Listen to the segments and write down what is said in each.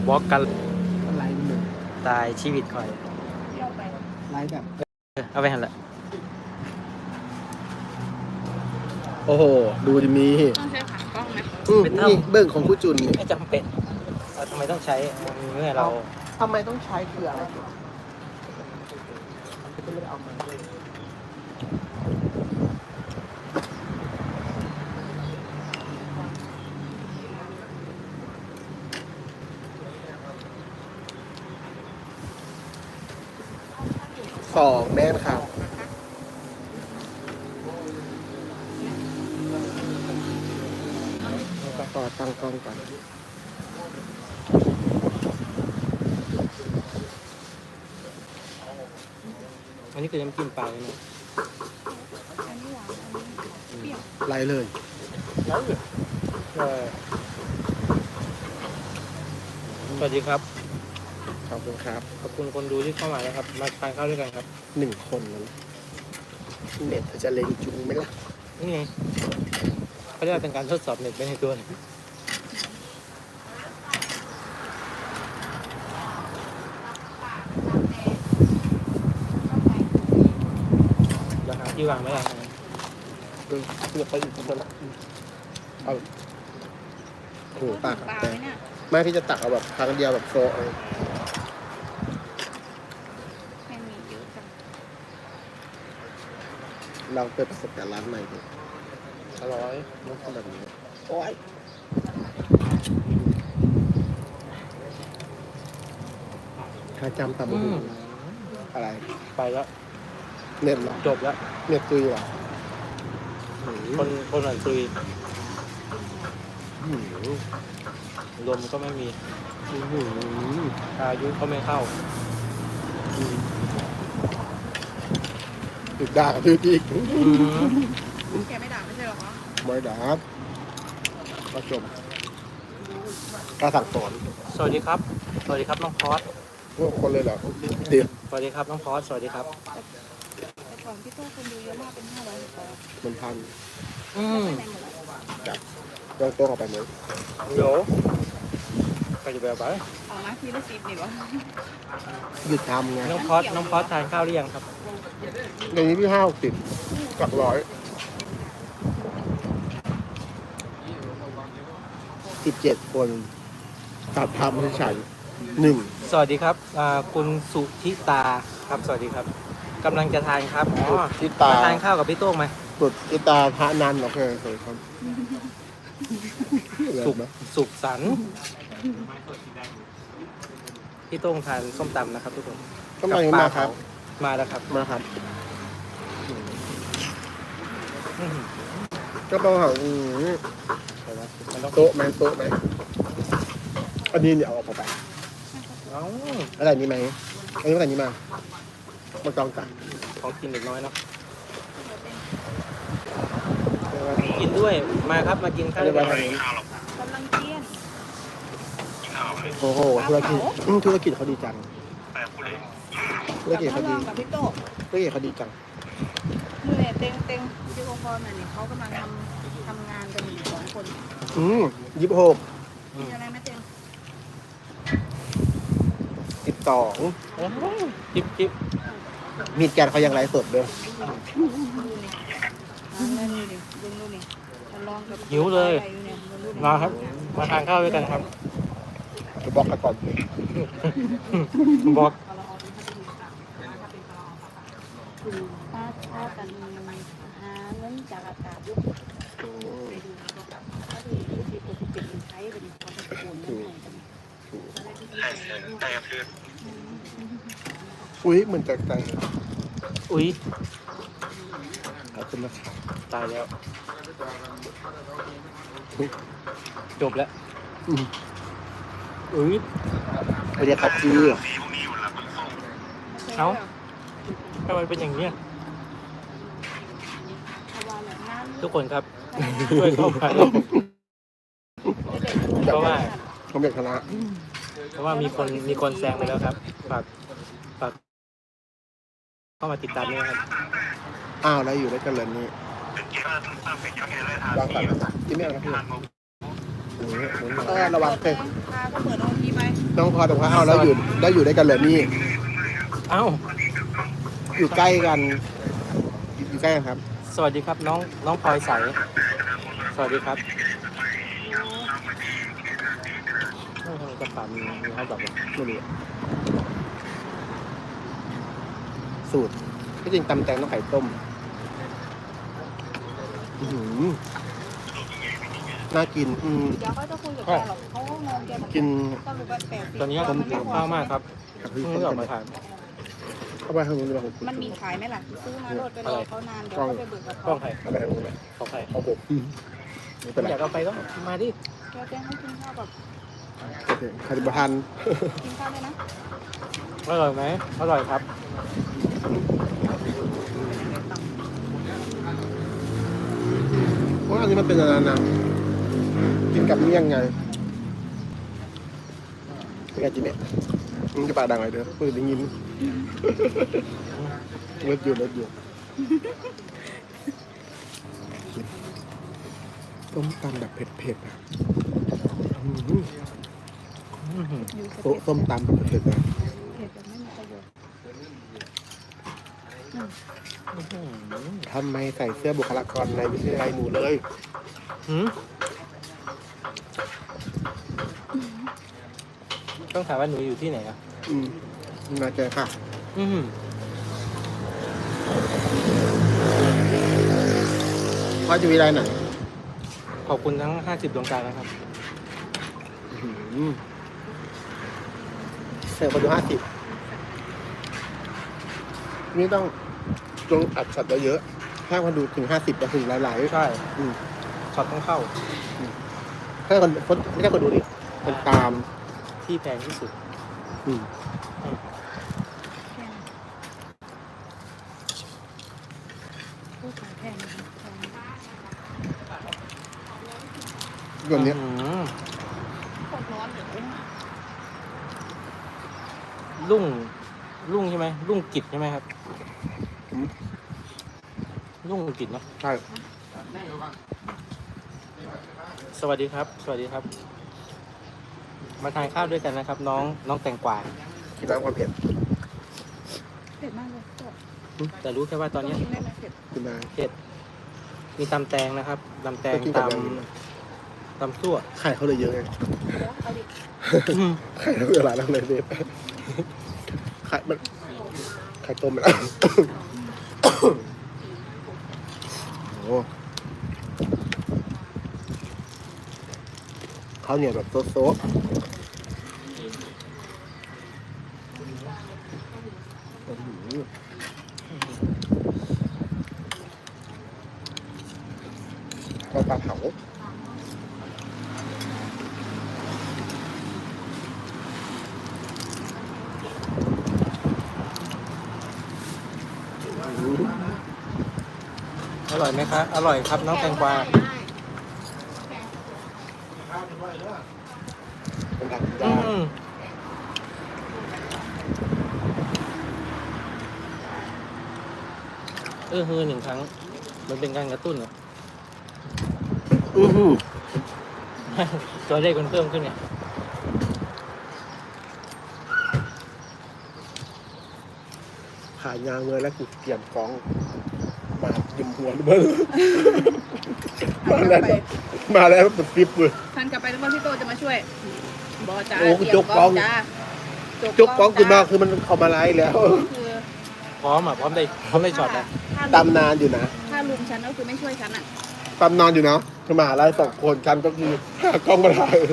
บอกกันไลฟ์หนึ่งตายชีวิตคอยไลฟ์แบบเอาไปหันละโอ้โหดูดิมีต้องใช้ขากล้องไหมนี่เบื้องของผู้จุนนี่ไม่จำเป็นทำไมต้องใช้เมื่อเราทำไมต้องใช้คืออะไรก็ไม่ได้เอามา2แม่นครับต่อตั้งกล้องก่อนอันนี้คือน้ำจิ้มปลาเลยนะไล่เลยสวัสดีครับขอบคุณครับขอบคุณคนดูที่เข้ามานะครับมาทานข้าวด้วยกันครับ 1 คนนั้นเน็ตจะเล่นจุงไหมล่ะนี่ไงเขาเรียกว่าเป็นการทดสอบเน็ตไปในตัวเราหาที่วางไม่ได้เพื่อไปอีกคนละเอาโอ้โหตักแต่ไม่พี่จะตักเอาแบบครั้งเดียวแบบโซเอาเราเปิดประสบการณ์ร้านใหม่ดูอร่อยมันทำแบบนี้โอ้ยถ้าจำตามมืออะไรไปแล้วเน็ตหรอจบแล้วเน็ตตุยหรอคนหลังตุยลมก็ไม่มีอายุก็ไม่เข้าติดด่ากับพี่อีกแกไม่ด่าไม่ใช่หรอคะไม่ด่าก็จบการสั่งสอนสวัสดีครับสวัสดีครับน้องพอสคนเลยเหรอเดี๋ยวสวัสดีครับน้องพอสสวัสดีครับแต่ก่อนพี่โต้คนดูเยอะมากเป็น500 มันพันจับโต้ออกไปไหมเดี๋ยวใครจะไปเอาไปออกมาทีละ10นี่วะหยุดทำไงน้องพอสทานข้าวหรือยังครับในนี้พี่50กับ100 17 คนตัดทำให้ฉัน1 สวัสดีครับคุณสุธิตาครับสวัสดีครับกำลังจะทานครับทิตาทานข้าวกับพี่โต้งไหมสุทิตาพระนันโอเคสวัสดีครับสุขสันต์พี่โต้งทานส้มตำนะครับทุกคนส้มตำมาครับมาแล้วครับมาครับก็ต้องหาโต๊ะไหมอันนี้เนี่ยเอาออกไปอะไรนี้ไหมอันนี้อะไรนี้มาจองกันของกินเด็กน้อยเนาะกินด้วยมาครับมากินข้าวด้วยกันกำลังเที่ยงโอ้โหธุรกิจเขาดีจังธุรกิจเขาดีกับพี่โต้ธุรกิจเขาดีจังมือเนี่ยเต็งที่องค์กรเนี่ยเขากำลังทำงานกันอยู่2 คน 26 มีอะไรไหมเต็ง 12 จิ๊บมีดแกนเขายังไลฟ์สดด้วยหิวเลยมาครับมาทานข้าวด้วยกันครับจะบอกกันก่อนบอกถ้ากันหาเงินจากอากาศยุคใช้เป็นความเป็นปูนอุ้ยเหมือนจากใจอุ้ยขอบคุณนะครับตายแล้วจบแล้วอุ้ยไปเรียกขับซื้อเอ้าทำไมเป็นอย่างนี้ทุกคนครับช่วยเข้ามาเพราะว่าผมอยากชนะเพราะว่ามีคนแซงไปแล้วครับฝากเข้ามาติดตามด้วยครับอ้าวแล้วอยู่ด้วยกันเลยนี่วางก่อนที่ไม่เอานะพี่ระวังเตะพาก็เปิดโอทีไปน้องพอแต่ว่าเอาแล้วอยู่ด้วยกันเลยนี่เอ้าอยู่ใกล้กันอยู่ใกล้กันครับสวัสดีครับน้องพลอยใสสวัสดีครับทำไมกระเป๋ามีเขาแบบว่าไม่รู้สูตรที่จริงตำแตงต้องไข่ต้มอื้อหือน่ากินเดี๋ยวเขาจะคุยกับแกหรอกเขาก็งงแกบอกกินสรุปว่า80 ตอนนี้มัผมไม่พอข้าวมากครับกับเพิ่พี่งต้มออกกันมาทานเข้าไปข้างนู้นดีกว่ามันมีขายไหมล่ะซื้อมาโลดไปรอเขานานเดี๋ยวเขาไปเบิกกับกล้เขาองใครเอาไปข้างนู้นเลยของใครเอาผมไม่เป็นไรอยากเอาไปก็มาดิแกแจ้งให้กินข้าวแบบโอเคใครจะมาทานกินข้าวด้วยนะอร่อยไหมอร่อยครับเพราะอันนี้มันเป็นอะไรนะกินกับเมี่ยงไงเป็นไงจีเนี่ยมึงจะปากดังอะไรเด้อเปิดได้ยินเลิศอยู่ต้มตำแบบเผ็ดๆอ่ะอื้อหืออยู่สส้มตำแบบเผ็ดๆนะเผ็ดแบบไม่มีประโยชน์ทำไมใส่เสื้อบุคลากรในวิทยาลัยหนูเลยหืมต้องถามว่าหนูอยู่ที่ไหนอ่ะมาเจอค่ะอืมพ่อจะวิทยาลัยไหนขอบคุณทั้ง50ดวงใจนะครับเสิร์ฟคนดู50นี่ต้องอัดช็อตเยอะๆถ้าคนดูถึง50จะถึงหลายๆใช่อืมช็อตต้องเข้าถ้าคนไม่ใช่คนดูดิคนตามที่แพงที่สุดอืมผู้ขายแพงนะคะแพงแบบเนี้ยโคตรร้อนเลยรุ่งใช่ไหมรุ่งกิจใช่ไหมครับรุ่งกิจเนาะใช่สวัสดีครับ สวัสดีครับ มาทานข้าวด้วยกันนะครับ น้องแตงกวาคิดว่าความเผ็ดเผ็ดมากเลยแต่รู้แค่ว่าตอนนี้กินได้ไหมเผ็ดกินได้เผ็ดมีตำแตงนะครับตำแตงก็กินกับอะไรตำซั่วไข่เขาเลยเยอะไงเดี๋ยวเอาดิไข่เราเวลาเราเลยเด็ดไข่มันไข่ต้มมัน โอ้ข้าวเหนียวแบบโซะข้าวปลาเผาอร่อยไหมครับอร่อยครับน้องแตงกวาเป็นดักอืยากมฮือหนึ่งครั้ง มันเป็นการกระตุ้นอะ ตัวเลขมันเพิ่มขึ้นไงขายยางเลยแล้วกูเตรียมกองมายิมหัวเบิ้ลมาแล้วเป็นฟิปเลยทันกลับไปแล้วว่าพี่โตจะมาช่วยบอจ้าโอ้เตรียมจกกล้องจ้าจุกกองขึ้นมาคือมันเข้ามาไล่แล้วคือพร้อมได้ช็อตนะถ้าตำนานอยู่นะถ้าลุงฉันก็คือไม่ช่วยฉันอ่ะตำนานอยู่นะคือมหาลัย2 คนกันก็คือหากล้องมาถ่าย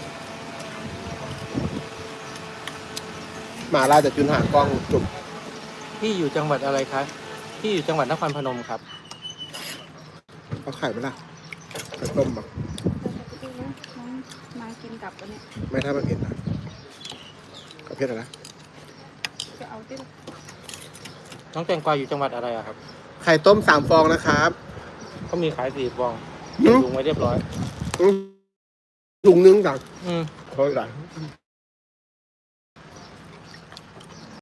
มหาลัยแต่จุนหากล้องจุกพี่อยู่จังหวัดอะไรคะพี่อยู่จังหวัดนครพนมครับเอาไข่ไหมล่ะไข่ต้มแบบน้องมากินกลับกันเนี่ยไม่ถ้ามันเผ็ดนะกับเผ็ดอะไรนะจะเอาที่น้องแตงกวาอยู่จังหวัดอะไรอะครับไข่ต้ม3 ฟองนะครับเขามีขาย4 ฟองหืมลุงไว้เรียบร้อยถุงนึงดังอืมเขาอีกหลาย